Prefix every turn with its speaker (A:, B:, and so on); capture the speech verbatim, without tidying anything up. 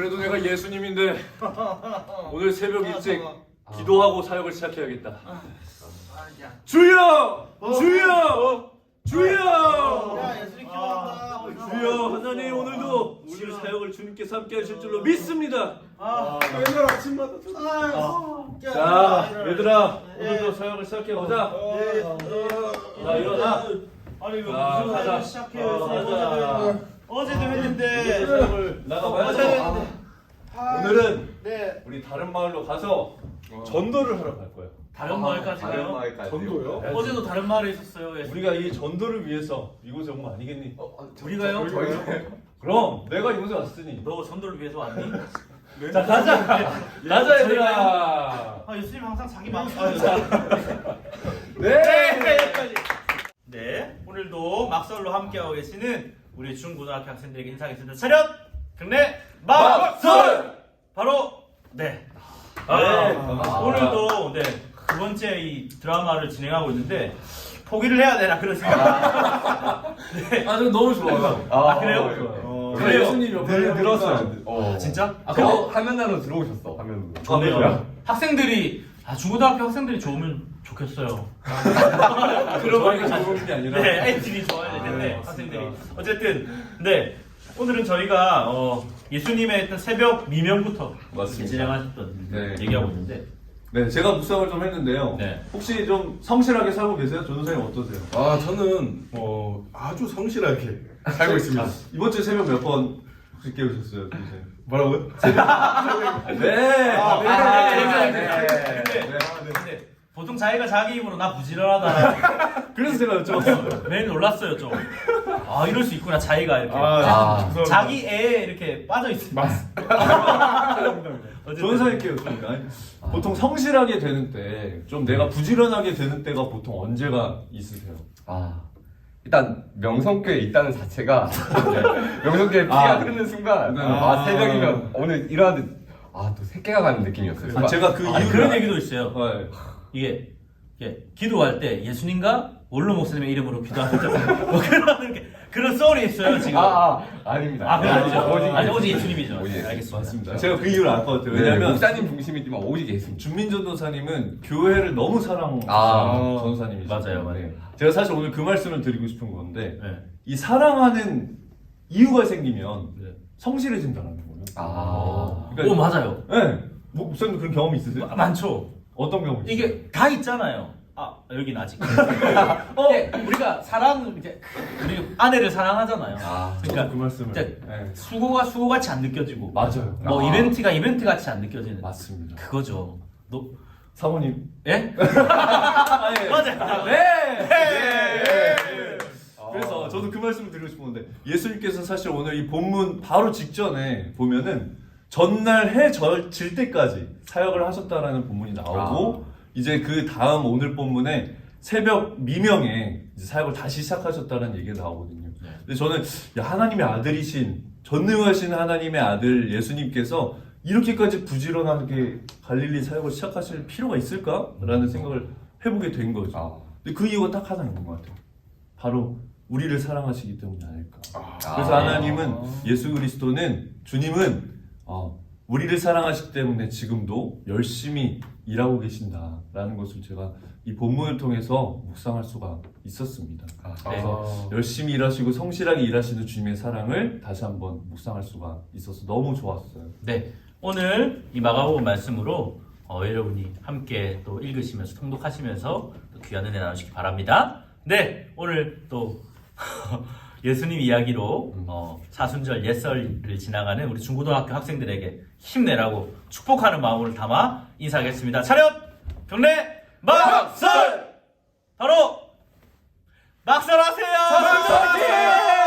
A: 그래도 내가 예수님인데 오늘 새벽 일찍 기도하고 사역을 시작해야겠다. 주여! 주여! 주여! 주여 하나님 오늘도 우리 사역을 주님께서 함께 하실 줄로 믿습니다.
B: 맨날 아침마다
A: 자 얘들아 오늘도 사역을 시작해보자. 자 일어나.
C: 아니 이거
A: 자,
C: 무슨
A: 가자.
C: 사역을 시작해요?
A: 가자.
C: 어제도 했는데
A: 사역을 나가봐야죠. 오늘은
B: 네.
A: 우리 다른 마을로 가서 전도를 하러 갈 거예요.
C: 다른 마을까지
D: 다른
C: 가요?
D: 마을까지요?
B: 전도요?
C: 어제도 다른 마을에 있었어요. 예.
A: 우리가 이 전도를 위해서 이곳에 온 거 아니겠니?
C: 우리가요?
A: 그럼 내가 이곳에 왔으니
C: 너 전도를 위해서 왔니?
A: 자 가자! 가자 얘들아!
C: 아 예수님 항상 자기 마음.
A: 네!
C: 네 오늘도 막설로 함께하고 계시는 우리 중고등학교 학생들에게 인사하겠습니다. 차렷! 경례! 막설! 바로 네. 아,
A: 아.
C: 오늘도 네 두 번째 이 드라마를 진행하고 있는데 포기를 해야 되나 그런 생각. 네.
A: 아, 저 너무 좋아요.
C: 아, 그래요?
A: 좋아요.
C: 그래요?
A: 예수님 옆에
D: 늘 늘었어요. 어.
C: 진짜?
D: 아, 그거 화면으로 들어오셨어. 화면으로.
C: 좋네요.
A: 그래요?
C: 학생들이 아 중고등학교 학생들이 좋으면 좋겠어요.
A: 그런 말이 좋은 게 아니라
C: 네, 애들이 좋아야 되는데
A: 아,
C: 학생들이
A: 맞습니다.
C: 어쨌든 네 오늘은 저희가 어, 예수님의 어떤 새벽 미명부터
A: 맞습니다.
C: 진행하셨던
A: 네.
C: 얘기하고 있는데
A: 네, 제가 묵상을 좀 했는데요.
C: 네.
A: 혹시 좀 성실하게 살고 계세요? 전도사님 어떠세요?
B: 아 저는 어 아주 성실하게 살고 있습니다.
A: 이번 주 새벽 몇 번 혹시 깨우셨어요? 선생님?
B: 뭐라고요?
A: 네!
C: 아,
A: 네,
C: 네, 네,
A: 네,
C: 네, 네. 근데,
A: 네.
C: 근데 보통 자기가 자기 입으로 나 부지런하다
A: 그래서 제가 여쭤봤어요.
C: 매일 놀랐어요 좀. 아 이럴 수 있구나 자기가 이렇게
B: 아, 죄송합니다.
C: 자기 애에 이렇게 빠져 있습니다.
A: 전도사님께 여쭤보니까 아니, 보통 성실하게 되는 때, 좀 내가 부지런하게 되는 때가 보통 언제가 있으세요?
D: 아. 일단 명성교에 있다는 자체가 네. 명성교에 피가
A: 아.
D: 흐르는 순간
A: 네.
D: 아,
A: 아.
D: 새벽이면 오늘 일어났는데 아또 새끼가 가는 느낌이었어요.
A: 아, 제가 그
C: 아니,
A: 이유를
C: 그런
A: 알-
C: 얘기도 있어요.
A: 네.
C: 이게, 이게 기도할 때 예수님과 원로 목사님의 이름으로 기도하는 뭐 그런 게 그런 썰이 있어요 지금.
D: 아, 아 아닙니다.
C: 아, 그건 아니죠.
D: 오직
C: 아니, 오직
D: 예수님.
C: 예수님이죠.
D: 오직
C: 네, 알겠습니다.
A: 맞습니다. 제가 그 이유를 알 것 같아요.
D: 네,
A: 왜냐면
D: 목사님 중심이지만 오직 예수님.
A: 준민전도사님은 교회를 너무 사랑하는
D: 아.
A: 전도사님이시죠.
C: 맞아요, 맞아요.
A: 제가 사실 오늘 그 말씀을 드리고 싶은 건데
C: 네.
A: 이 사랑하는 이유가 생기면
C: 네.
A: 성실해진다는 거예요.
D: 아.
A: 그러니까-
C: 오 맞아요.
A: 네. 뭐, 목사님도 그런 경험 있으세요?
C: 아, 많죠.
A: 어떤 경험 있어요?
C: 이게 다 있잖아요. 아 여긴 아직. 어 우리가 사랑 이제 우리 아내를 사랑하잖아요.
D: 아.
A: 저도 그 말씀을.
C: 이제
A: 네.
C: 수고가 수고 같이 안 느껴지고.
A: 맞아요.
C: 뭐
D: 아.
C: 이벤트가 이벤트 같이 안 느껴지는.
A: 맞습니다.
C: 그거죠. 너
A: 사모님.
C: 예?
A: 아, 예.
C: 맞아요.
A: 네.
C: 네.
A: 그래서 저도 그 말씀을 드리고 싶었는데 예수님께서 사실 오늘 이 본문 바로 직전에 보면은 전날 해 질 때까지 사역을 하셨다라는 본문이 나오고
D: 아.
A: 이제 그 다음 오늘 본문에 새벽 미명에 이제 사역을 다시 시작하셨다는 얘기가 나오거든요.
C: 네.
A: 근데 저는 야, 하나님의 아들이신 전능하신 하나님의 아들 예수님께서 이렇게까지 부지런하게 갈릴리 사역을 시작하실 필요가 있을까라는 생각을 해보게 된 거죠.
D: 아.
A: 근데 그 이유가 딱 하나 있는 것 같아요. 바로 우리를 사랑하시기 때문이 아닐까. 그래서
D: 아.
A: 하나님은 예수 그리스도는 주님은 어, 우리를 사랑하시기 때문에 지금도 열심히 일하고 계신다라는 것을 제가 이 본문을 통해서 묵상할 수가 있었습니다.
D: 아.
A: 그래서 열심히 일하시고 성실하게 일하시는 주님의 사랑을 다시 한번 묵상할 수가 있어서 너무 좋았어요.
C: 네, 오늘 이 마가복음 말씀으로 어, 여러분이 함께 또 읽으시면서 통독하시면서 또 귀한 은혜 나누시기 바랍니다. 네, 오늘 또 예수님 이야기로 어, 사순절 옛설을 지나가는 우리 중고등학교 학생들에게 힘내라고 축복하는 마음을 담아 인사하겠습니다. 차렷! 경례! 막설! 바로 막설하세요!
A: 사순절 화이팅!